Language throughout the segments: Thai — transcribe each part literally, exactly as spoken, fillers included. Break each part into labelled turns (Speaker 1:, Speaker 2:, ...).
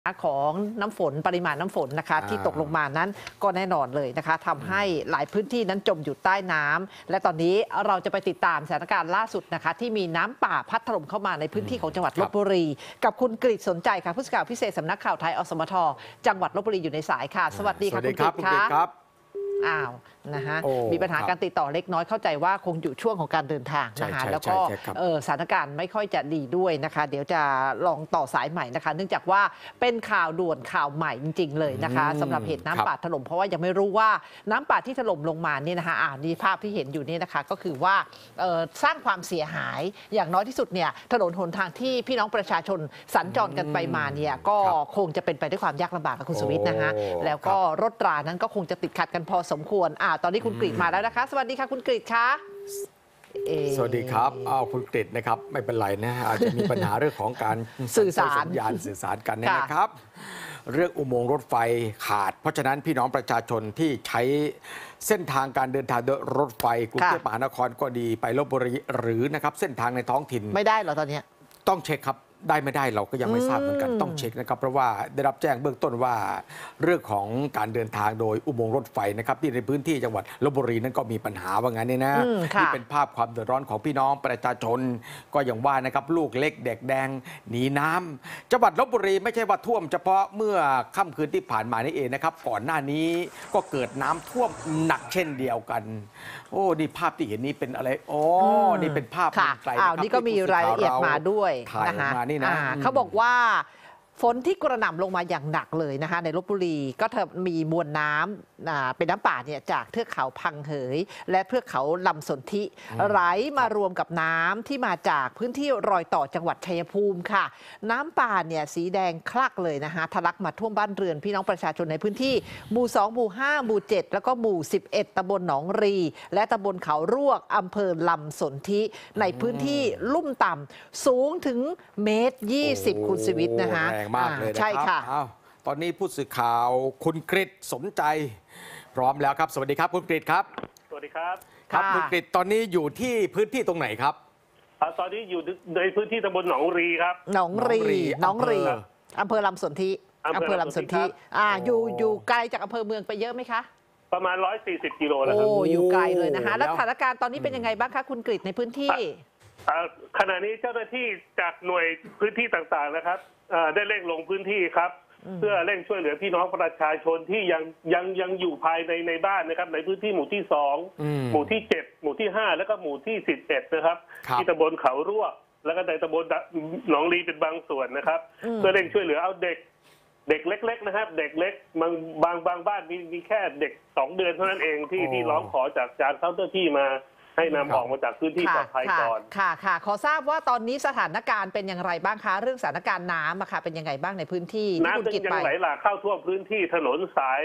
Speaker 1: ของน้ำฝนปริมาณน้ำฝนนะคะที่ตกลงมานั้นก็แน่นอนเลยนะคะทำให้หลายพื้นที่นั้นจมอยู่ใต้น้ำและตอนนี้เราจะไปติดตามสถานการณ์ล่าสุดนะคะที่มีน้ำป่าพัดถล่มเข้ามาในพื้นที่ของจังหวัดลพบุรีกับคุณกฤษสนใจค่ะผู้สื่อข่าวพิเศษสำนักข่าวไทยอสมทจังหวัดลพบุรีอยู่ในสายค่ะสวัสดีค่ะคุณกฤษค่ะอ้าวนะฮะมีปัญหาการติดต่อเล็กน้อยเข้าใจว่าคงอยู่ช่วงของการเดินทางนะคะแล้วก็สถานการณ์ไม่ค่อยจะดีด้วยนะคะเดี๋ยวจะลองต่อสายใหม่นะคะเนื่องจากว่าเป็นข่าวด่วนข่าวใหม่จริงๆเลยนะคะสำหรับเหตุน้ำป่าถล่มเพราะว่ายังไม่รู้ว่าน้ำป่าที่ถล่มลงมานี่นะคะอ่านี่ภาพที่เห็นอยู่นี่นะคะก็คือว่าสร้างความเสียหายอย่างน้อยที่สุดเนี่ยถนนหนทางที่พี่น้องประชาชนสัญจรกันไปมาเนี่ยก็คงจะเป็นไปด้วยความยากลำบากกับคุณสุวิทย์นะคะแล้วก็รถรานั้นก็คงจะติดขัดกันพอสมควรอ่าตอนนี้คุณกฤษมาแล้วนะคะสวัสดีค่ะคุณกฤษคะ
Speaker 2: สวัสดีครับอ้าวคุณกฤษนะครับไม่เป็นไรนะอาจจะมีปัญหาเรื่องของการ
Speaker 1: สื่อสาร
Speaker 2: สัญญาณสื่อสารกันนะครับเรื่องอุโมงค์รถไฟขาดเพราะฉะนั้นพี่น้องประชาชนที่ใช้เส้นทางการเดินทางโดยรถไฟกรุงเทพมหานครก็ดีไปลพบุรีหรือนะครับเส้นทางในท้องถิ่น
Speaker 1: ไม่ได้เหรอตอนนี้
Speaker 2: ต้องเช็คครับได้ไม่ได้เราก็ยังไม่ทราบเหมือนกันต้องเช็คนะครับเพราะว่าได้รับแจ้งเบื้องต้นว่าเรื่องของการเดินทางโดยอุโมงค์รถไฟนะครับที่ในพื้นที่จังหวัดลพบุรีนั้นก็มีปัญหาว่างั้นนี่นะนี่เป็นภาพความเดือดร้อนของพี่น้องประชาชนก็อย่างว่านะครับลูกเล็กเด็กแดงหนีน้ำจังหวัดลพบุรีไม่ใช่ว่าท่วมเฉพาะเมื่อค่ำคืนที่ผ่านมานี่เองนะครับก่อนหน้านี้ก็เกิดน้ำท่วมหนักเช่นเดียวกันโอ้นี่ภาพที่เห็นนี้เป็นอะไรอ๋อนี่เป็นภาพ
Speaker 1: ไกลนะครับนี่ก็มีรายละเอียดมาด้วยนะคะเขาบอกว่าฝนที่กระหน่ำลงมาอย่างหนักเลยนะคะในลพบุรีก็มีมวลน้ำเป็นน้ำป่าเนี่ยจากเทือกเขาพังเหยและเทือกเขาลำสนธิไหลมารวมกับน้ำที่มาจากพื้นที่รอยต่อจังหวัดชัยภูมิค่ะน้ำป่าเนี่ยสีแดงคลักเลยนะคะทะลักมาท่วมบ้านเรือนพี่น้องประชาชนในพื้นที่หมู่สองหมู่ห้าหมู่เจ็ดแล้วก็หมู่สิบเอ็ดตำบลหนองรีและตำบลเขารวกอำเภอลำสนธิในพื้นที่ลุ่มต่ำสูงถึงเมตรยี่สิบคุณชีวิตนะคะ
Speaker 2: มากเลยนะครับตอนนี้ผู้สื่อข่าวคุณกฤษสนใจพร้อมแล้วครับสวัสดีครับคุณกฤษครับ
Speaker 3: สวัสดีครับ
Speaker 2: ครับคุณกฤษตอนนี้อยู่ที่พื้นที่ตรงไหนครับ
Speaker 3: ตอนนี้อยู่ในพื้นที่ตำบลหนองรีครับ
Speaker 1: หนองรีหนองรีอำเภอลำสนธิอำเภอลำสนธิอ่าอยู่อยู่ไกลจากอำเภอเมืองไปเยอะไหมคะ
Speaker 3: ประมาณร้อยสี่สิบกิโลแล้วครับ
Speaker 1: โอ้อยู่ไกลเลยนะคะแล้วสถานการณ์ตอนนี้เป็นยังไงบ้างคะคุณกฤษในพื้นที่
Speaker 3: ขณะนี้เจ้าหน้าที่จากหน่วยพื้นที่ต่างๆนะครับได้เร่งลงพื้นที่ครับเพื่อเร่งช่วยเหลือพี่น้องประชาชนที่ยังยังยังอยู่ภายในในบ้านนะครับในพื้นที่หมู่ที่สองหมู่ที่เจ็ดหมู่ที่ห้าแล้วก็หมู่ที่สิบเอ็ดนะครับที่ตำบลเขารวกแล้วก็ในตำบลหนองลีเป็นบางส่วนนะครับเพื่อเร่งช่วยเหลือเอาเด็กเด็กเล็กๆนะครับเด็กเล็กบางบางบางบ้านมีมีแค่เด็กสองเดือนเท่านั้นเองที่ที่ร้องขอจากจากเจ้าหน้าที่มาให้นำออกมาจากพื้นที่ปลอดภัยก่อน
Speaker 1: ค่ะค่ะขอทราบว่าตอนนี้สถานการณ์เป็นอย่างไรบ้างคะเรื่องสถานการณ์น้ำอะค่ะเป็นยังไงบ้างในพื้นที่
Speaker 3: น้ำยังไหลหลากเข้าท่วมพื้นที่ถนนสาย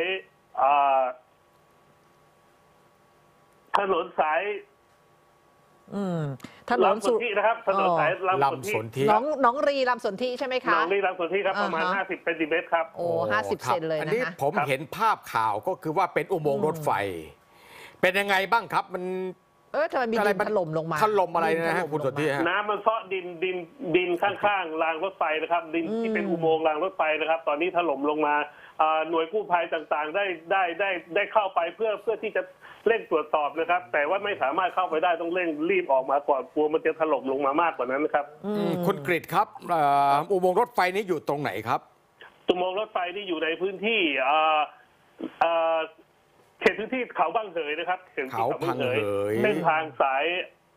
Speaker 3: ถนนสาย
Speaker 1: ถนน
Speaker 3: สุทธินะครับถนนสายลำสนธิ
Speaker 1: น้องน้องรีลำสนธิใช่ไหมคะ
Speaker 3: น้องรีลำสนธิครับประมาณห้าสิบเซนติเมตรครับ
Speaker 1: โอ้ห้าสิบเซนเลยนะอันนี้
Speaker 2: ผมเห็นภาพข่าวก็คือว่าเป็นอุโมงค์รถไฟเป็นยังไงบ้างครับมัน
Speaker 1: เออทำไมมีดินถล่มลงมา
Speaker 2: ถล่มอะไรนะฮะคุณสนธิ
Speaker 3: น้ำมันเซาะดินดินดินข้างๆรางรถไฟนะครับดินที่เป็นอุโมงค์รางรถไฟนะครับตอนนี้ถล่มลงมาหน่วยกู้ภัยต่างๆได้ได้ได้ได้เข้าไปเพื่อเพื่อที่จะเร่งตรวจสอบนะครับแต่ว่าไม่สามารถเข้าไปได้ต้องเร่งรีบออกมาก่อนกลัวมันจะถล่มลงมามากกว่านั้นนะครับ
Speaker 2: คุณกฤษครับอุโมงค์รถไฟนี้อยู่ตรงไหนครับ
Speaker 3: อุโมงค์รถไฟนี่อยู่ในพื้นที่เขตพื้นที่เขาบางเหยนะครับเขต
Speaker 2: เขาบางเหย
Speaker 3: เส้นทางสาย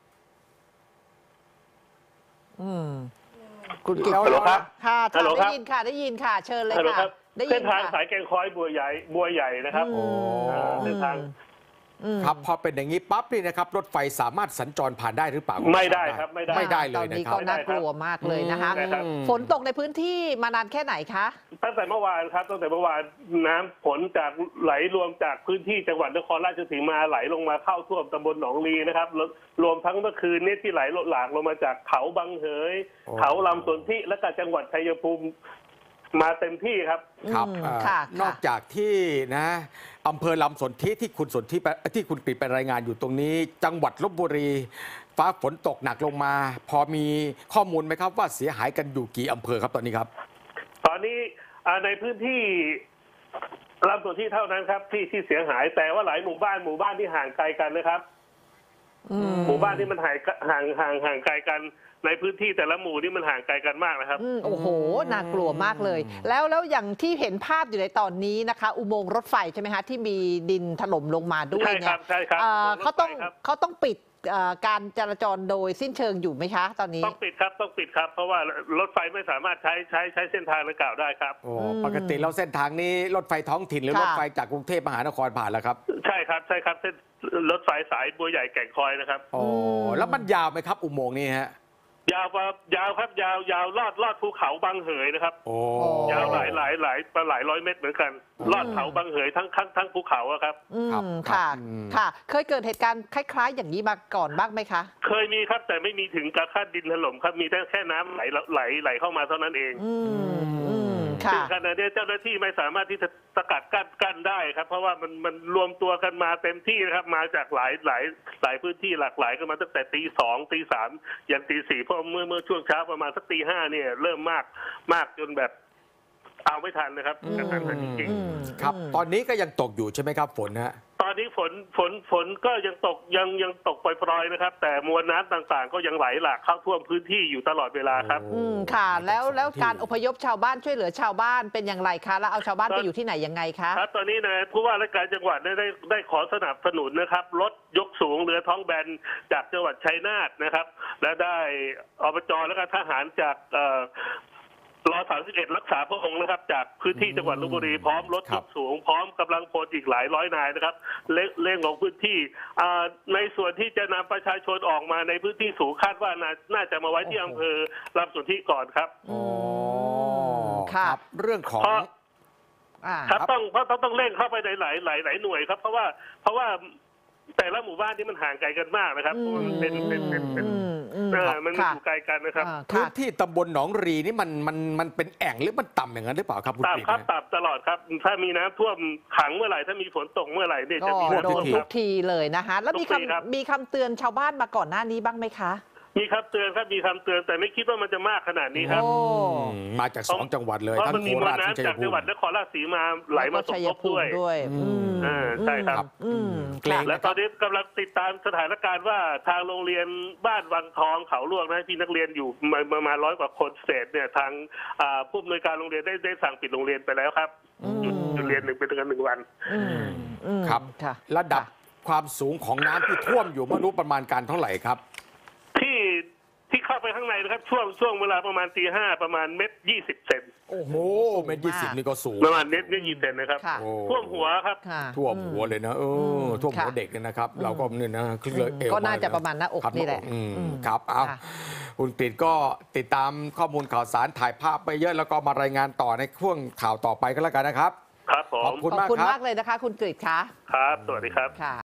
Speaker 1: อืมคุณกิตฮัลโหลครับค่ะได้ยินค่ะได้ยินค่ะเชิญเลยค่ะ
Speaker 3: เส้นทางสายแกงคอยบัวใหญ่บัวใหญ่นะครับเส้นทาง
Speaker 2: ครับพอเป็นอย่างนี้ปั๊บนี่นะครับรถไฟสามารถสัญจรผ่านได้หรือเปล่า
Speaker 3: ไม่ได้ครับไม่ได้
Speaker 2: ไม่ได้เลย
Speaker 1: นะครับตอนนี้ก็น่ากลัวมากเลยนะคะฝนตกในพื้นที่มานานแค่ไหนคะ
Speaker 3: ตั้งแต่เมื่อวานครับตั้งแต่เมื่อวานน้ำฝนจากไหลรวมจากพื้นที่จังหวัดนครราชสีมาไหลลงมาเข้าท่วมตำบลหนองลีนะครับรวมทั้งเมื่อคืนนี้ที่ไหลหลากลงมาจากเขาบางเหยเขาลำสนธิและก็จังหวัดชัยภูมิมาเต็มที่ครับ
Speaker 2: ครับนอกจากที่นะอำเภอลำสนธิที่คุณสนธิที่คุณกฤษไปรายงานอยู่ตรงนี้จังหวัดลพบุรีฟ้าฝนตกหนักลงมาพอมีข้อมูลไหมครับว่าเสียหายกันอยู่กี่อำเภอครับตอนนี้ครับ
Speaker 3: ตอนนี้อ่าในพื้นที่ลำสนที่เท่านั้นครับที่ที่เสียหายแต่ว่าหลายหมู่บ้านหมู่บ้านที่ห่างไกลกันนะครับ
Speaker 1: อืม
Speaker 3: หมู่บ้านที่มันห่างห่างห่างห่างไกลกันในพื้นที่แต่ละหมู่นี่มันห่างไกลกันมากนะครับ
Speaker 1: อืมโอ้โหน่ากลัวมากเลย แล้วแล้วอย่างที่เห็นภาพอยู่ในตอนนี้นะคะ อุโมงค์รถไฟใช่ไหมคะที่มีดินถล่มลงมาด้วย
Speaker 3: ใช่ค
Speaker 1: เนี่
Speaker 3: รั
Speaker 1: ย
Speaker 3: บใช่ครับ
Speaker 1: เอ่อ
Speaker 3: อุโมงค์รถไฟ
Speaker 1: เขาต้อง
Speaker 3: ครับ
Speaker 1: เขาต้องปิดเอ่อการจราจรโดยสิ้นเชิงอยู่ไหมคะ ตอนนี้
Speaker 3: ต้องปิดครับต้องปิดครับ เพราะว่ารถไฟไม่สามารถใช้ใช้ใช้เส้นทางดังกล่าวได้ครับ
Speaker 2: โอ้
Speaker 1: อืม
Speaker 2: ปกติแล้วเส้นทางนี้รถไฟท้องถิ่นหรือ
Speaker 1: ค่ะ
Speaker 2: รถไฟจากกรุงเทพมหานครผ่านแล้วครับ
Speaker 3: ใช่ครับใช่ครับเส้นรถไฟสายบัวใหญ่แก่งคอยนะครับ
Speaker 2: โอ้แล้วมันยาวไหมครับ อุโมงค์นี้ฮะ
Speaker 3: ยาวครับยาวครับยาวยาวลอดลอดภูเขาบางเหยนะครับ
Speaker 2: โอ้
Speaker 3: ยาวหลายหลายหลายหลายร้อยเมตรเหมือนกัน ลอดเขาบางเหยทั้งทั้งทั้งภูเขาอะครับ
Speaker 1: อืม
Speaker 2: ครับ
Speaker 1: ค่ะ
Speaker 2: อืม
Speaker 1: ค่ะ เคยเกิดเหตุการณ์คล้าย ๆ อย่างนี้มาก่อนบ้างไหมคะ
Speaker 3: เคยมีครับแต่ไม่มีถึงกับขั้นดินถล่มครับมีแต่แค่น้ำไหลไหลไหลเข้ามาเท่านั้นเอง
Speaker 1: อืมอืมค่ะ
Speaker 3: ซึ่งขณะนี้เจ้าหน้าที่ไม่สามารถที่จะสกัดกั้นกั้นได้ครับ เพราะว่ามันมันรวมตัวกันมาเต็มที่นะครับมาจากหลายหลายหลายพื้นที่หลากหลายกันมาตั้งแต่ตีสองตีสามยันตีสี่เพราะเมื่อเมื่อช่วงเช้าประมาณสักตีห้าเนี่ยเริ่มมากมากจนแบบเอาไม่ทันนะครับกระทันหันจริง
Speaker 1: อืม
Speaker 2: ครับ
Speaker 1: อืม
Speaker 2: ตอนนี้ก็ยังตกอยู่ใช่ไหมครับฝนฮะ
Speaker 3: ๆตอนนี้ฝนฝนฝนก็ยังตกยังยังตกปล่อยๆนะครับ แต่มวลน้ำต่างๆ ก็ยังไหลหลากเข้าท่วมพื้นที่อยู่ตลอดเวลาครับ
Speaker 1: อืมค่ะ แล้วแล้ว
Speaker 2: ที่
Speaker 1: การอพยพชาวบ้านช่วยเหลือชาวบ้านเป็นอย่างไรคะแล้วเอาชาวบ้านไปอยู่ที่ไหนยังไงคะ
Speaker 3: ครับตอนนี้นะผู้ว่าราชการจังหวัดได้ได้ได้ขอสนับสนุนนะครับรถยกสูงเรือท้องแบนจากจังหวัดชัยนาทนะครับ และได้อบจและก็ทหารจากเอ่อรอสามสิบเอ็ดรักษาพระองค์นะครับ จากพื้นที่จังหวัดลพบุรีพร้อมรถ
Speaker 2: ครั
Speaker 3: ย
Speaker 2: บ
Speaker 3: กสูงพร้อมกำลังพลอีกหลายร้อยนายนะครับเร่งเร่งลงพื้นที่อ่าในส่วนที่จะนำประชาชนออกมาในพื้นที่สูงคาดว่าน่าน่าจะมาไว้ที่อำเภอลำสนธิก่อนครับ
Speaker 2: อ๋อ
Speaker 1: ค่ะ
Speaker 2: รับเรื่องของ
Speaker 3: เพราะ
Speaker 1: อ่า
Speaker 3: ครับต้องเพราะต้องต้องเร่งเข้าไปในหลายหลายหลายหน่วยครับ เพราะว่าเพราะว่าแต่ละหมู่บ้านที่มันห่างไกลกันมากนะครับเพราะว่ามันเป็นเป็นเป็นเป็น
Speaker 1: อืมอืม
Speaker 3: เออมัน
Speaker 1: ค่ะ
Speaker 3: อยู่ไกลกันนะครับ
Speaker 1: อ่า
Speaker 2: พื้
Speaker 1: ค่ะ
Speaker 2: นที่ตำบลหนองรีนี่มันมันมันเป็นแอ่งหรือมันต่ำอย่างนั้นหรือเปล่าครับคุณกฤษ
Speaker 3: ต่ำครับ
Speaker 2: ฮะ
Speaker 3: ต่ำตลอดครับ ถ้ามีน้ำท่วมขังเมื่อไหร่ถ้ามีฝนตกเมื่อไหร่เนี่ย
Speaker 1: ก็
Speaker 3: จะมี
Speaker 1: โด
Speaker 3: น้ำท่วน ม
Speaker 1: ทุ
Speaker 3: ค
Speaker 1: ก
Speaker 3: รับ
Speaker 1: ทีเลยนะคะ แล้วมี
Speaker 3: ทุกปีครับ
Speaker 1: คำมีคำเตือนชาวบ้านมาก่อนหน้านี้บ้างไหมคะ
Speaker 3: มีคำเตือนครับมีคำเตือนแต่ไม่คิดว่ามันจะมากขนาดนี้ครับ
Speaker 1: โอ้
Speaker 2: อืมมาจากสองจังหวัดเลย
Speaker 3: เพราะ
Speaker 2: ทั้
Speaker 3: มัน
Speaker 2: ง
Speaker 3: มี
Speaker 2: โค
Speaker 3: มวล
Speaker 2: ราชทั้ง
Speaker 3: น้ำ
Speaker 2: ชัย
Speaker 3: จาก
Speaker 2: ภู
Speaker 3: จังหวัด
Speaker 2: มิ
Speaker 3: นครราชสีมาไหลมาสม
Speaker 1: ชัย
Speaker 3: ทบ
Speaker 1: ภู
Speaker 3: ด้วย
Speaker 1: มิด้วย
Speaker 2: อืม
Speaker 3: เออใช่ครับ
Speaker 1: อืม
Speaker 2: เกรง
Speaker 3: และตอนนี้กำลังติดตามสถานการณ์ว่าทางโรงเรียนบ้านวังทองเขาลวกนะที่นักเรียนอยู่มาประมาณร้อยกว่าคนเศษเนี่ยทางอ่าผู้อำนวยการโรงเรียนได้ได้สั่งปิดโรงเรียนไปแล้วครับ
Speaker 1: อืม
Speaker 3: หยุดหยุดเรียนหนึ่งเป็นกันหนึ่งวัน
Speaker 1: อืมอืม
Speaker 2: ครับ
Speaker 1: ค่ะ
Speaker 2: ระดับความสูงของน้ำที่ท่วมอยู่ไม่รู้ประมาณการเท่าไหร่ครับ
Speaker 3: ที่ที่เข้าไปข้างในนะครับ ช่วงช่วงเวลาประมาณตีห้าประมาณเม็ดยี่สิบเซน
Speaker 2: โอ้โห
Speaker 1: สูง
Speaker 2: เมตรยี่สิบ
Speaker 1: มาก
Speaker 2: นี่ก็สูง
Speaker 3: ประมาณเม็ดเม็ดยี่สิบเซนนะครับ
Speaker 1: ค่ะ
Speaker 2: โอ้
Speaker 3: ท่วมหัวครับ
Speaker 1: ค่ะ
Speaker 2: ท่วมหัวเลยนะเอออ
Speaker 1: ม
Speaker 2: ท่วมหัว
Speaker 1: ค่ะ
Speaker 2: เด็กเนี่ยนะครับ เราก็เนี่ยนะคลึกเลยเอว
Speaker 1: ก็น่าจะ
Speaker 2: ม
Speaker 1: ประมาณหน้าอก
Speaker 2: ครับ
Speaker 1: นี่แหละ
Speaker 2: อืม
Speaker 1: อืม
Speaker 2: ครับเอา
Speaker 1: ค่ะ
Speaker 2: คุณกฤษก็ติดตามข้อมูลข่าวสารถ่ายภาพไปเยอะแล้วก็มารายงานต่อในช่วงข่าวต่อไปก็แล้วกันนะครับ
Speaker 3: ครับผ
Speaker 2: ขอบ
Speaker 3: ม
Speaker 2: คุณ
Speaker 1: ขอบ
Speaker 2: มาก
Speaker 1: คุณ
Speaker 2: ครับ
Speaker 1: มากเลยนะคะ คุณกฤษคะ
Speaker 3: ครับ สวัสดีครับ
Speaker 1: ค่ะ